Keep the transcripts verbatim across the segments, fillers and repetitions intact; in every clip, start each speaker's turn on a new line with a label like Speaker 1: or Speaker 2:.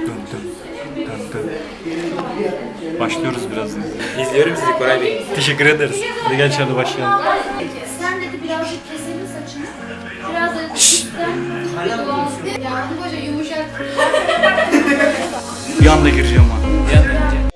Speaker 1: Dın dın dın dın. Başlıyoruz birazdan.
Speaker 2: İzliyorum sizi Koray Bey.
Speaker 1: Teşekkür ederiz. Hadi gel şöyle başlayalım.
Speaker 3: Sen dedi birazcık keselim saçını. Biraz da cidden doğal. Ya bu koca yumuşak.
Speaker 1: Bir anda gireceğim ha.
Speaker 2: Bir an önce.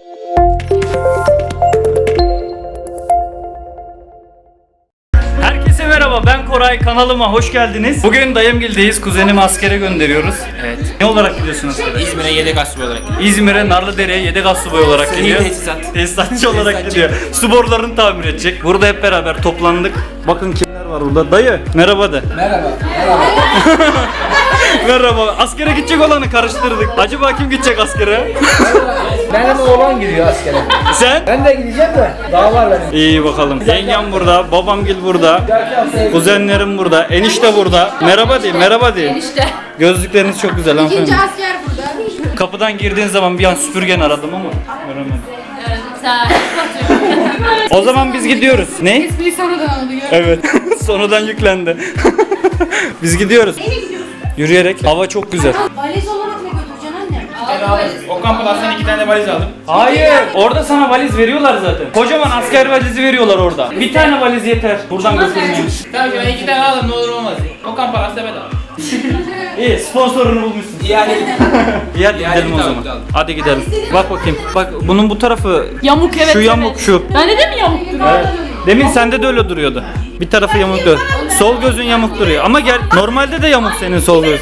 Speaker 1: Herkese merhaba, ben Koray, kanalıma hoş geldiniz. Bugün Dayımgil'deyiz, kuzenimi askere gönderiyoruz.
Speaker 2: Evet.
Speaker 1: Ne olarak gidiyorsun askere?
Speaker 2: İzmir'e yedek asubay olarak.
Speaker 1: İzmir'e Narlıdere'ye yedek assubay olarak
Speaker 2: Sivil
Speaker 1: gidiyor.
Speaker 2: tesisat.
Speaker 1: Tesisatçı olarak
Speaker 2: Tesisatçı.
Speaker 1: gidiyor. Su borularını tamir edecek. Burada hep beraber toplandık. Bakın kimler var burada. Dayı, merhaba de.
Speaker 2: Merhaba. Merhaba.
Speaker 1: Merhaba. Askere gidecek olanı karıştırdık. Acaba kim gidecek askere?
Speaker 4: Benim oğlan gidiyor askere.
Speaker 1: Sen?
Speaker 4: Ben de gideceğim de daha var benim.
Speaker 1: İyi bakalım. Yengem burada, babamgil burada, kuzenlerim burada, enişte burada. Merhaba deyin, merhaba deyin.
Speaker 3: İşte.
Speaker 1: Gözlükleriniz çok güzel hanımefendi.
Speaker 3: İkinci asker burada.
Speaker 1: Kapıdan girdiğin zaman bir an süpürgen aradım ama göremedim.
Speaker 3: Sen.
Speaker 1: O zaman biz gidiyoruz. Ne?
Speaker 3: Espri sonradan oldu ya.
Speaker 1: Evet. Sonradan yüklendi. Biz gidiyoruz. Yürüyerek. Hava çok güzel.
Speaker 3: Valiz olarak ne götüreceksin annem?
Speaker 2: Okan Palas'tan iki tane de valiz aldım.
Speaker 1: Hayır. Orada sana valiz veriyorlar zaten. Kocaman asker valizi veriyorlar orada. Bir tane valiz yeter. Buradan götürmeyeyim.
Speaker 2: Tabii ben iki tane aldım ne olur olmaz. Okan Palas'ta bedava.
Speaker 1: İyi, sponsorunu bulmuşsun.
Speaker 2: Yani
Speaker 1: İyi hadi
Speaker 2: Yani
Speaker 1: gidelim o
Speaker 2: bir
Speaker 1: zaman.
Speaker 2: daha, bir
Speaker 1: Hadi gidelim. Bak bakayım. Bak bunun bu tarafı
Speaker 5: Yamuk evet.
Speaker 1: şu
Speaker 5: evet.
Speaker 1: yamuk şu.
Speaker 5: Ben de mi yamuk duruyor?
Speaker 1: Evet. Demin sende de öyle duruyordu. Bir tarafı yamuk duruyor. Sol gözün yamuk duruyor. Ama gel normalde de yamuk senin sol göz.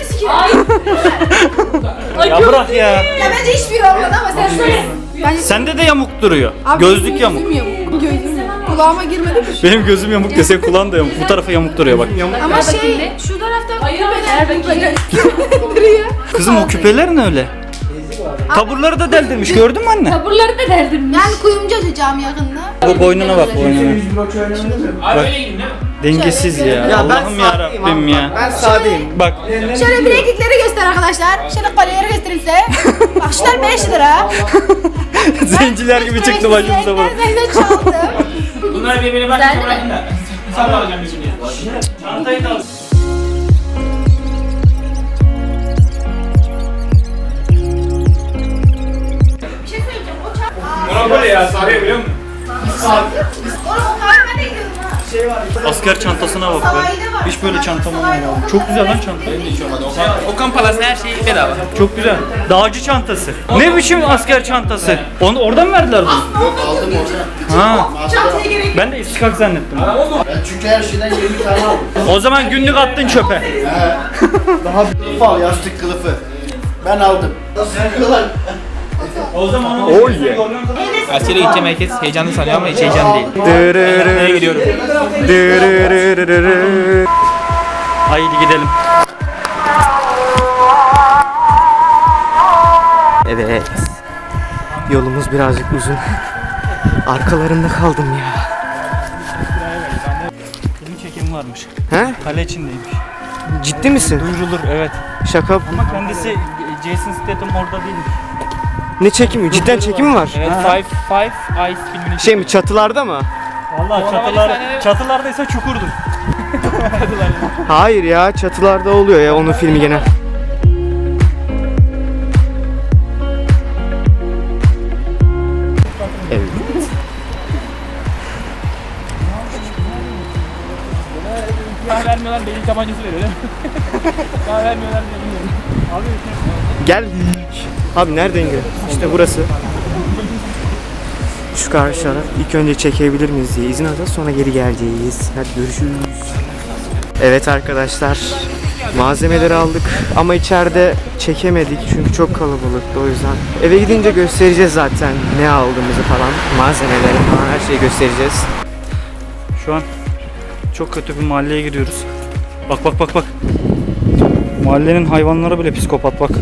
Speaker 5: Ay,
Speaker 1: Ya bırak ya.
Speaker 3: Ya bence hiçbir olmadı ama sen söyle. Bence
Speaker 1: Sende de yamuk duruyor. Gözlük yamuk.
Speaker 3: Gözüm yamuk. Gözüm kulağıma girmedi mi?
Speaker 1: Benim gözüm yamuk desen kulağın da yamuk. Bu tarafı yamuk duruyor bak.
Speaker 3: Ama şey şu tarafta
Speaker 5: Hayır hayır
Speaker 3: küpeler
Speaker 5: bakayım.
Speaker 3: duruyor.
Speaker 1: Kızım o küpeler ne öyle? Taburları da deldirmiş gördün mü anne?
Speaker 5: Taburları da deldim.
Speaker 3: Ben kuyumcu açacağım yakında.
Speaker 1: Bu boynuna bak boynuna.
Speaker 2: abi öyle gidin değil mi?
Speaker 1: Dengesiz ya. Allah'ım ya Rabbim ya.
Speaker 4: Ben sağdayım.
Speaker 1: Bak
Speaker 3: Şöyle bileklikleri göster arkadaşlar. Şöyle kolyeleri göstereyim size. Bak şunlar beş lira.
Speaker 1: zenciler gibi çıktı başımıza bu.
Speaker 3: Ben de çaldım.
Speaker 2: Bunları birbirine bak bırakın da. Sabah alacağım bir şimdi.
Speaker 1: Çantayı da al.
Speaker 2: Monopoly ya sarıyor biliyor musun?
Speaker 3: Oğlum o kahve de gidiyorum ha.
Speaker 1: Asker çantasına bak be. Hiç böyle çantam olmadı. Çok güzel lan çanta.
Speaker 2: Hiç olmadı. Okan, Okan Palas'ta her şey bedava.
Speaker 1: Çok güzel. Dağcı çantası. Ne biçim asker çantası? Onu oradan mı verdiler bunu?
Speaker 6: Yok aldım orada.
Speaker 1: Ha.
Speaker 3: Çantaya gerek.
Speaker 1: Ben de istikak zannettim.
Speaker 6: Ben çünkü her şeyden yirmi tane aldım.
Speaker 1: O zaman günlük attın çöpe.
Speaker 6: Daha bir fal yastık kılıfı. Ben aldım. Nasıl kadar?
Speaker 1: O zaman
Speaker 6: Oh yeah.
Speaker 2: Askere gideceğim herkes heyecanlı sanıyor ama hiç heyecan değil. Nereye gidiyorum?
Speaker 1: Haydi gidelim.
Speaker 4: Evet. Yolumuz birazcık uzun. Arkalarında kaldım ya.
Speaker 1: Film çekimi varmış.
Speaker 4: He?
Speaker 1: Kale içindeymiş.
Speaker 4: Ciddi misin?
Speaker 1: Duyurulur evet.
Speaker 4: Şaka.
Speaker 1: Ama kendisi Jason Statham orada değilmiş.
Speaker 4: Ne çekimi? Cidden çekimi var.
Speaker 2: Evet Five, Five Eyes filmini
Speaker 4: Şey mi, çatılarda mı?
Speaker 1: Vallahi
Speaker 2: Orada
Speaker 1: çatılar,
Speaker 2: bir tane-
Speaker 1: çatılardaysa çukurdur.
Speaker 4: Hayır ya, çatılarda oluyor ya onun filmi gene. Evet.
Speaker 2: Daha vermiyorlar beyin tabancası veriyor değil mi? Daha vermiyorlar beyin.
Speaker 4: Gel. Abi nereden gel? İşte burası. Şu karşılara ilk önce çekebilir miyiz diye izin alacağız, sonra geri geleceğiz. Hadi görüşürüz. Evet arkadaşlar, malzemeleri aldık ama içeride çekemedik çünkü çok kalabalıktı, o yüzden. Eve gidince göstereceğiz zaten ne aldığımızı falan, malzemeleri falan, her şeyi göstereceğiz.
Speaker 1: Şu an çok kötü bir mahalleye giriyoruz. Bak bak bak bak. Mahallenin hayvanları bile psikopat bak.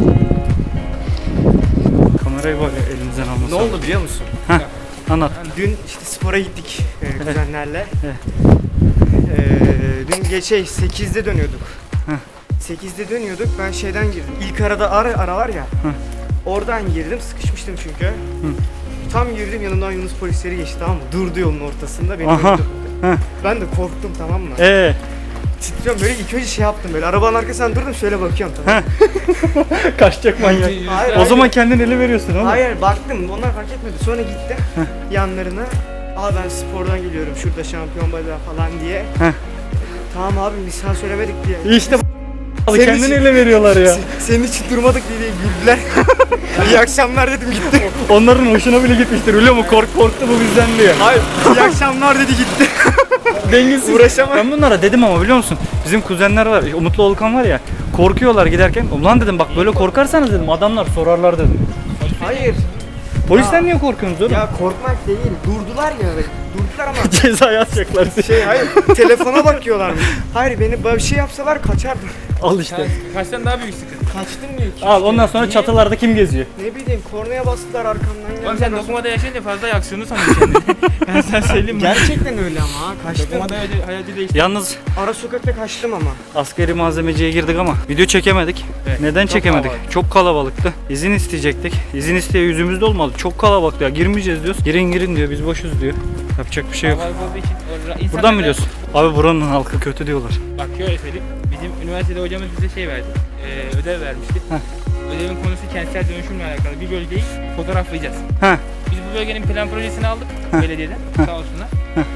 Speaker 1: Kamerayı var ya elimizden almasın.
Speaker 4: Ne oldu biliyor musun?
Speaker 1: Heh, anlat.
Speaker 4: Dün işte spora gittik e, kuzenlerle.
Speaker 1: Evet.
Speaker 4: Ee, dün geçe sekizde dönüyorduk.
Speaker 1: Heh.
Speaker 4: sekizde dönüyorduk, ben şeyden girdim. İlk arada ara, ara var ya. Oradan girdim, sıkışmıştım çünkü. Tam girdim, yanımdan Yunus polisleri geçti, tamam mı? Durdu yolun ortasında, beni
Speaker 1: Aha.
Speaker 4: durdu.
Speaker 1: Heh.
Speaker 4: Ben de korktum, tamam mı?
Speaker 1: Ee,
Speaker 4: titriyorum böyle ilk önce şey yaptım böyle arabanın arkasından durdum şöyle bakıyorum tamam.
Speaker 1: Kaçacak manyak.
Speaker 4: Hayır,
Speaker 1: O zaman kendin ele veriyorsun ama.
Speaker 4: Hayır baktım onlar fark etmedi sonra gittim yanlarına. Aa ben spordan geliyorum şurada şampiyon bacağı falan diye.
Speaker 1: Heh.
Speaker 4: Tamam abi biz sana söylemedik diye.
Speaker 1: İşte
Speaker 4: Senin
Speaker 1: kendin
Speaker 4: için-
Speaker 1: ele veriyorlar ya.
Speaker 4: Senin için durmadık diye güldüler. İyi akşamlar dedim gitti.
Speaker 1: Onların hoşuna bile gitmiştir biliyor musun? Kork korktu bu bizden diye.
Speaker 4: Hayır iyi akşamlar dedi gitti.
Speaker 1: Dengesiz.
Speaker 4: Uğraşamam.
Speaker 1: Ben bunlara dedim ama biliyor musun? Bizim kuzenler var, Umutlu Olkan var ya. Korkuyorlar giderken. Ulan dedim bak böyle korkarsanız dedim adamlar sorarlar dedim.
Speaker 4: Hayır.
Speaker 1: Polisten niye korkuyorsunuz oğlum?
Speaker 4: Ya korkmak değil. Durdular ya. Durdular ama
Speaker 1: Ceza yazacaklar size.
Speaker 4: şey hayır telefona bakıyorlarmış. Hayır beni böyle bir şey yapsalar kaçardım.
Speaker 1: Al işte.
Speaker 2: Kaçtan daha büyük sıkıntı.
Speaker 4: Kaçtım diyor ki.
Speaker 1: Al ondan sonra çatılarda kim geziyor?
Speaker 4: Ne bileyim kornaya bastılar arkamdan
Speaker 2: Oğlum
Speaker 4: geldiler.
Speaker 2: sen dokumada yaşayınca fazla yaksiyonu sanıyorsun kendini. Ben sana söyleyeyim mi?
Speaker 4: Gerçekten öyle ama ha kaçtım.
Speaker 2: Dokumada hayatı, hayatı değişti.
Speaker 1: Yalnız
Speaker 4: Ara sokakta kaçtım ama.
Speaker 1: askeri malzemeciye girdik ama video çekemedik.
Speaker 2: Evet,
Speaker 1: Neden
Speaker 2: çok
Speaker 1: çekemedik?
Speaker 2: kalabalık.
Speaker 1: Çok kalabalıktı. İzin isteyecektik. İzin isteye yüzümüzde olmadı. Çok kalabalıktı ya. Girmeyeceğiz diyoruz. Girin girin diyor. Biz boşuz diyor. Yapacak bir şey yok.
Speaker 2: Kalabalık olduğu için o ra- insanlar
Speaker 1: Buradan mı
Speaker 2: da-
Speaker 1: biliyorsun? Abi buranın halkı kötü diyorlar.
Speaker 2: Bak şöyle söyleyeyim. Bizim üniversitede hocamız bize şey verdi. Ee, ödev vermişti.
Speaker 1: Heh.
Speaker 2: Ödevin konusu kentsel dönüşümle alakalı bir bölgeyi fotoğraflayacağız.
Speaker 1: Heh.
Speaker 2: Biz bu bölgenin plan projesini aldık belediyeden. Sağ olsunlar.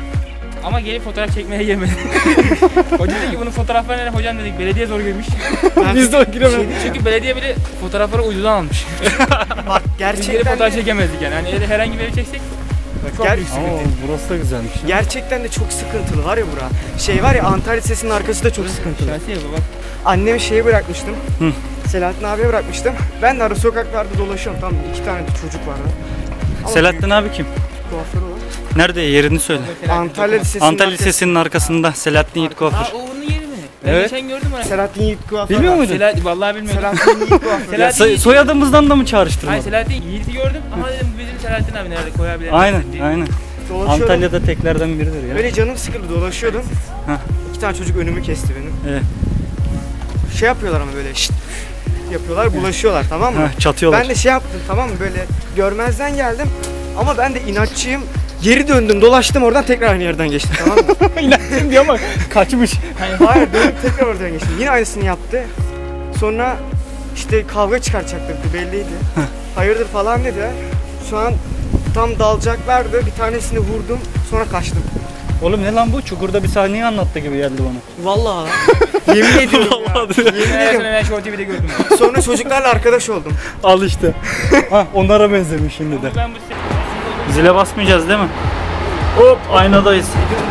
Speaker 2: Ama gelip fotoğraf çekmeye gelmedi. Hoca dedi ki bunun fotoğraflarını nereye hocam dedik. Belediye zor görmüş.
Speaker 1: Biz de o giremedik.
Speaker 2: Çünkü belediye bile fotoğrafları uydudan almış.
Speaker 4: Bak
Speaker 2: Biz gelip
Speaker 4: gerçekten
Speaker 2: fotoğraf
Speaker 4: de,
Speaker 2: çekemezdik yani. Hani herhangi bir ev çeksek çok
Speaker 4: Gel-
Speaker 2: büyük
Speaker 1: Ama
Speaker 2: sıkıntı.
Speaker 1: burası da güzelmiş. ya.
Speaker 4: gerçekten de çok sıkıntılı var ya bura. Şey var ya Antalya Lisesi'nin arkası da çok sıkıntılı.
Speaker 2: Şahsi ev bak.
Speaker 4: Annemi şeye bırakmıştım.
Speaker 1: Hı.
Speaker 4: Selahattin abiye bırakmıştım. Ben de ara sokaklarda dolaşıyorum. Tam iki tane de çocuk var. Ama
Speaker 1: Selahattin abi kim?
Speaker 4: büyük kuaförü var.
Speaker 1: Nerede? Yerini söyle.
Speaker 4: Antalya Lisesi'nin
Speaker 1: Antalya
Speaker 4: arkası-
Speaker 1: Lisesi'nin arkasında Selahattin Yiğit
Speaker 2: Aa
Speaker 1: Kuaför.
Speaker 2: o onun yeri mi? Ben
Speaker 1: Evet.
Speaker 2: geçen gördüm onu.
Speaker 4: Selahattin Yiğit kuaför
Speaker 1: Bilmiyor
Speaker 4: var.
Speaker 1: muydun?
Speaker 2: Selahattin vallahi bilmiyordum.
Speaker 4: Selahattin Yiğit kuaför.
Speaker 2: Selahattin-
Speaker 1: Ya, soy- soyadımızdan da mı çağrıştırmadın?
Speaker 2: Hayır Selahattin Yiğit'i gördüm. Aha dedim bu bizim Selahattin abi nerede koyabilir
Speaker 1: Aynen,
Speaker 2: misin diye.
Speaker 1: aynen.
Speaker 4: Dolaşıyorum.
Speaker 1: Antalya'da teklerden biridir ya.
Speaker 4: Böyle canım sıkıldı dolaşıyordum.
Speaker 1: Heh.
Speaker 4: İki tane çocuk önümü kesti benim.
Speaker 1: Evet.
Speaker 4: Şey yapıyorlar ama böyle şşt yapıyorlar bulaşıyorlar tamam mı?
Speaker 1: Heh, çatıyorlar.
Speaker 4: Ben de şey yaptım tamam mı böyle görmezden geldim. Ama ben de inatçıyım. Geri döndüm dolaştım oradan tekrar aynı yerden geçtim tamam mı?
Speaker 1: İnançım diyor ama kaçmış.
Speaker 4: Hayır dönüp tekrar oradan geçtim. Yine aynısını yaptı. Sonra işte kavga çıkartacaklardı belliydi. Hayırdır falan dediler. Şu an tam dalacaklardı. Bir tanesini vurdum. Sonra kaçtım.
Speaker 1: Oğlum ne lan bu? Çukurda bir sahneyi anlattı gibi geldi bana.
Speaker 4: Vallahi. Yemin ediyorum ya.
Speaker 1: Vallahi diyor.
Speaker 4: Yemin
Speaker 2: Ben
Speaker 4: ediyorum.
Speaker 2: ben Show T V'de gördüm.
Speaker 4: Sonra çocuklarla arkadaş oldum.
Speaker 1: Al işte. Ha onlara benzemiş şimdi de.
Speaker 2: Ben bu
Speaker 1: Zile basmayacağız değil mi? Hop aynadayız.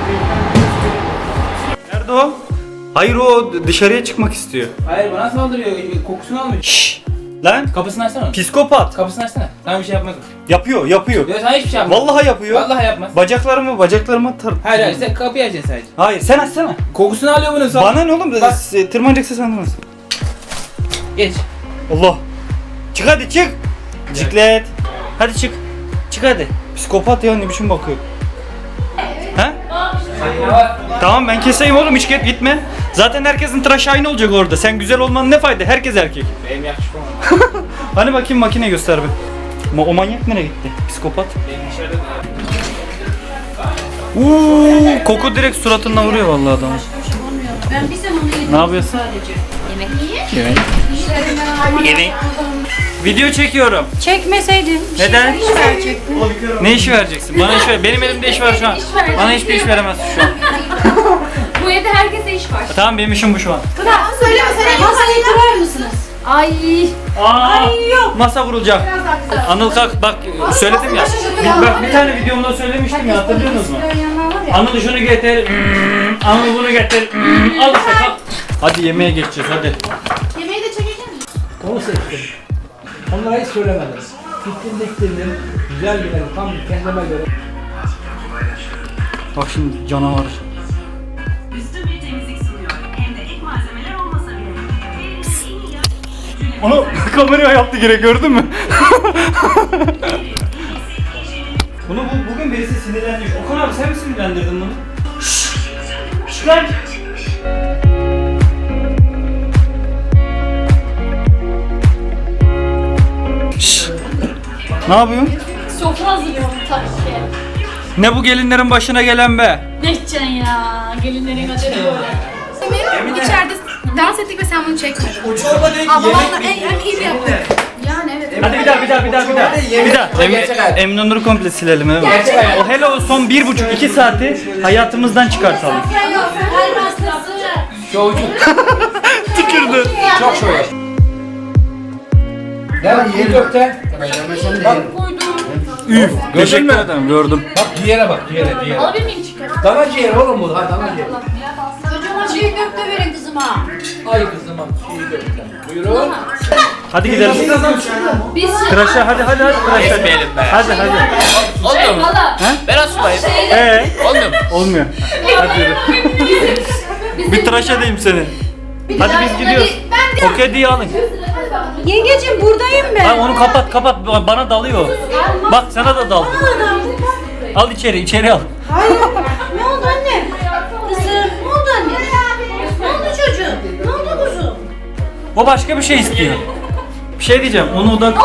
Speaker 1: Nerede o? Hayır o dışarıya çıkmak istiyor.
Speaker 2: Hayır bana saldırıyor. Kokusunu almıyor.
Speaker 1: Şşş. Lan
Speaker 2: Kapısını açsana.
Speaker 1: psikopat.
Speaker 2: Kapısını açsana. Sana bir şey yapmadım.
Speaker 1: Yapıyor yapıyor.
Speaker 2: Ya sana hiçbir şey yapmadım.
Speaker 1: Vallahi yapıyor.
Speaker 2: Vallahi yapmaz.
Speaker 1: Bacaklarımı bacaklarıma tar.
Speaker 2: Hayır hayır sen kapıyı açacaksın sadece.
Speaker 1: Hayır sen açsana.
Speaker 2: Kokusunu alıyor bunun sonra.
Speaker 1: Bana ne oğlum?
Speaker 2: Bak.
Speaker 1: S- Tırmanacaksa sandınız.
Speaker 2: Geç.
Speaker 1: Allah. Çık hadi çık. Ciklet. Hadi çık. Çık hadi. Psikopat ya ne biçim bakıyor. He?
Speaker 2: Ne var?
Speaker 1: Tamam ben keseyim oğlum hiç git gitme. Zaten herkesin tıraşı aynı olacak orada. Sen güzel olmanın ne fayda? Herkes erkek.
Speaker 2: Benim yakışıklı olmam.
Speaker 1: Hani bakayım makine göster bir. Ma o manyak nereye gitti? Psikopat.
Speaker 2: Benim dışarıda
Speaker 1: Uuu koku direkt suratından vuruyor vallahi adamı.
Speaker 3: Ben bir zaman yedim.
Speaker 1: Ne yapıyorsun? Evet. Evet. Video çekiyorum.
Speaker 5: Çekmeseydin.
Speaker 1: Neden?
Speaker 5: İş verecektin.
Speaker 1: Ne işi vereceksin? Bana iş ver. Benim elimde iş var şu an.
Speaker 5: İş vereceksin.
Speaker 1: Bana hiçbir iş veremezsin şu an.
Speaker 5: Bu evde herkese iş var.
Speaker 1: Tamam benim işim bu şu an.
Speaker 3: Söyleme sen masayı kurar mısınız? Ay.
Speaker 1: Aa, masa vurulacak. Anıl kalk bak söyledim ya. Bir, bak bir tane videomda söylemiştim ya hatırlıyorsunuz mu? Anıl şunu getir. hmm, Anıl bunu getir. hmm, Al işte kalk. Hadi yemeğe geçeceğiz hadi.
Speaker 3: Yemeği de çekecek misin?
Speaker 7: Onu seçtim. Onlara hiç söylemedim. Fikrim diktirdim. Güzel bir ev, tam kendime göre.
Speaker 1: Bak şimdi canavar.
Speaker 8: Üstün bir temizlik sunuyor. Hem de ek malzemeler olmasa bile. Elimizde en iyi yağ-
Speaker 1: Onu kameraya yaptı gene gördün mü? Bunu bu, bugün birisi sinirlenmiş. Okan abi sen mi sinirlendirdin bunu? Şşş! Şşş lan! Şşş! Ne yapıyorsun?
Speaker 5: Sofra hazırlıyorum tabii ki.
Speaker 1: Ne bu gelinlerin başına gelen be?
Speaker 5: Ne edeceksin ya? Gelinlerin adını böyle.
Speaker 3: İçeride dans ettik ve sen bunu çekmedin.
Speaker 7: Uçurma değil
Speaker 3: Ama vallahi en, en iyi yaptık. Yani evet.
Speaker 1: Hadi bir daha bir daha bir daha bir daha. Bir daha. Em, Emin Onur'u komple silelim. Evet. O hele o son bir buçuk iki saati hayatımızdan çıkartalım. Tükürdü.
Speaker 7: Çok şöyle. Gel yiyelim köfte.
Speaker 6: Yemesen de yerim.
Speaker 1: Üf. Teşekkür ederim. Gördüm.
Speaker 7: Bak ciğere bak ciğere ciğere.
Speaker 5: Alabilir miyim çıkarım?
Speaker 7: Dana ciğeri oğlum bu. Ha dana ciğeri.
Speaker 5: Çocuğuma çiğ köfte verin kızıma.
Speaker 7: Ay kızım bak çiğ köfte. Buyurun.
Speaker 1: Hadi gidelim.
Speaker 5: Biz
Speaker 1: Tıraşa hadi hadi hadi tıraşa.
Speaker 2: Etmeyelim be.
Speaker 1: Hadi hadi.
Speaker 2: Olmuyor mu?
Speaker 5: valla.
Speaker 2: Ben asmayayım.
Speaker 1: Ee,
Speaker 2: Olmuyor mu?
Speaker 1: olmuyor. Hadi yürü. Bir tıraş edeyim seni. Hadi biz gidiyoruz. O kediyi alın.
Speaker 5: Yengeciğim buradayım ben.
Speaker 1: Ha, onu kapat kapat bana dalıyor. Bak sana da daldı. Al içeri içeri al.
Speaker 5: Ne oldu anne? Kızım ne oldu anne? Ne oldu çocuğum? Ne oldu kuzum?
Speaker 1: O başka bir şey istiyor. Bir şey diyeceğim. Onu da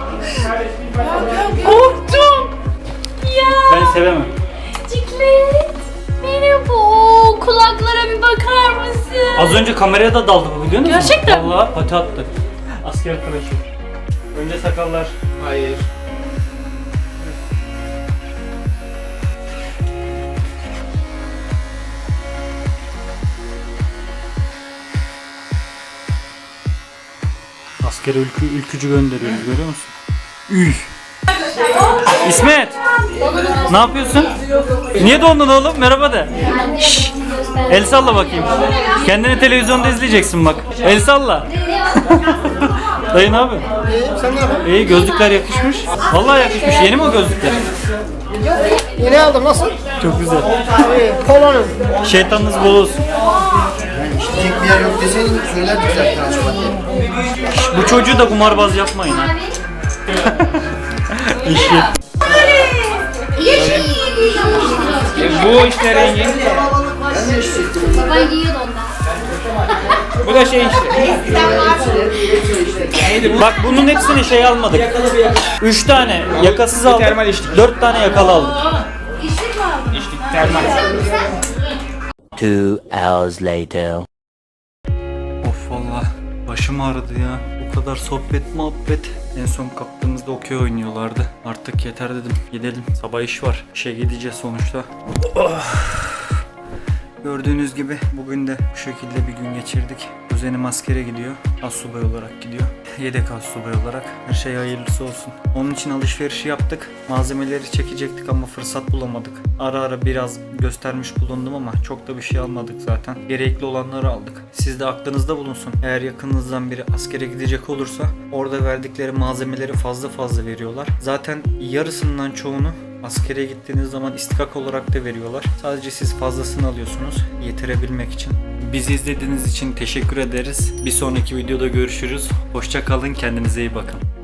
Speaker 5: Korktum. Ya.
Speaker 1: ben sevemem.
Speaker 5: Ciklet. Merhaba. Kulaklara bir bakar mısın?
Speaker 1: Az önce kameraya da daldı bu biliyor musun?
Speaker 5: Gerçekten mi?
Speaker 1: Vallahi pati attı. Asker tıraşı. Önce sakallar.
Speaker 6: Hayır.
Speaker 1: Askere ülkü, ülkücü gönderiyoruz görüyor musun? Üh. İsmet. Ne yapıyorsun? Niye dondun oğlum? Merhaba de. Şşş. El salla bakayım. Kendini televizyonda izleyeceksin bak. El salla. Dayı ne yapıyorsun?
Speaker 6: Sen ne yapıyorsun?
Speaker 1: İyi gözlükler yakışmış. Vallahi yakışmış. Yeni mi o gözlükler?
Speaker 6: Yeni aldım nasıl?
Speaker 1: Çok güzel.
Speaker 6: Polonum.
Speaker 1: Şeytanınız bol olsun.
Speaker 6: İşleyecek bir yer yok deseydin söylerdik zaten açma diye.
Speaker 1: Bu çocuğu da kumarbaz yapmayın ha. İşi.
Speaker 2: E, bu işte rengi.
Speaker 3: Baba yiyordu ondan.
Speaker 2: Bu da şey işte.
Speaker 1: Bak bunun hepsini şey almadık. Üç tane yakasız aldık.
Speaker 2: Termal içtik.
Speaker 1: Dört tane yakalı aldık.
Speaker 2: İçtik termal.
Speaker 9: Two hours later.
Speaker 1: Of valla başım ağrıdı ya. O kadar sohbet muhabbet. En son kalktığımızda okey oynuyorlardı. Artık yeter dedim. Gidelim. Sabah iş var. İşe gideceğiz sonuçta. Oh. Gördüğünüz gibi bugün de bu şekilde bir gün geçirdik. Kuzenim askere gidiyor. Astsubay olarak gidiyor. Yedek astsubay olarak. Her şey hayırlısı olsun. Onun için alışverişi yaptık. Malzemeleri çekecektik ama fırsat bulamadık. Ara ara biraz göstermiş bulundum ama çok da bir şey almadık zaten. Gerekli olanları aldık. Siz de aklınızda bulunsun. Eğer yakınınızdan biri askere gidecek olursa orada verdikleri malzemeleri fazla fazla veriyorlar. Zaten yarısından çoğunu askere gittiğiniz zaman istikak olarak da veriyorlar. Sadece siz fazlasını alıyorsunuz yetirebilmek için. Bizi izlediğiniz için teşekkür ederiz. Bir sonraki videoda görüşürüz. Hoşça kalın, kendinize iyi bakın.